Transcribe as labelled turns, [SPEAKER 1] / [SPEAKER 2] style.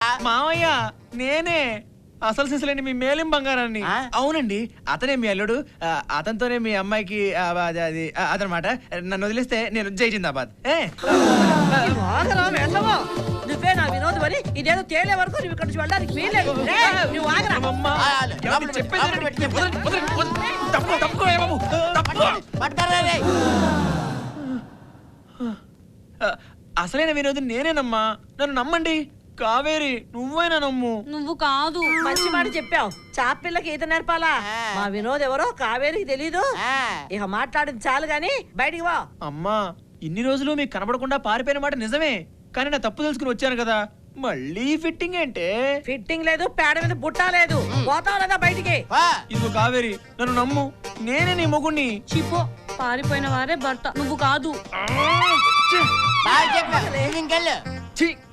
[SPEAKER 1] మావయ్య నేనే అసలు సిసలేండి మీ మేలిం బంగారాన్ని. అవునండి, అతనే మీ అల్లుడు. అతనితోనే మీ అమ్మాయికి అది అదనమాట. నన్ను వదిలేస్తే నేను జై జిందాబాద్.
[SPEAKER 2] నువ్వే నా వినోదం అని ఇదేదో తేలే వరకు నువ్వు ఇక్కడ నుంచి వెళ్ళడానికి వీల్లేదు. నువ్వు ఆగరా.
[SPEAKER 1] అసలైన వినోదం నేనేనమ్మా, నన్ను నమ్మండి. కావేరి నువ్వైనా నమ్ము.
[SPEAKER 3] నువ్వు కాదు.
[SPEAKER 2] మంచి మాట చెప్పావు. చాపిల్లకి ఈత నేర్పాలా? మా వినోద్ ఎవరో కావేరికి తెలీదు. ఇక మాట్లాడింది చాలు గాని బయటికి వా.
[SPEAKER 1] అమ్మా, ఇన్ని రోజులు మీకు కనబడకుండా పారిపోయిన మాట నిజమే, కానీ నా తప్పు తెలుసుకుని వచ్చాను కదా. మళ్ళీ ఫిట్టింగ్ అంటే
[SPEAKER 2] ఫిట్టింగ్ లేదు, పేడ మీద బుట్ట లేదు. పోతావు లేదా బయటికి?
[SPEAKER 1] ఇదిగో కావేరి, నన్ను నమ్ము, నేనే నీ మొగుణ్ణి.
[SPEAKER 3] చిపో, పారిపోయిన వారే భర్త, నువ్వు కాదు.
[SPEAKER 1] ఛీ!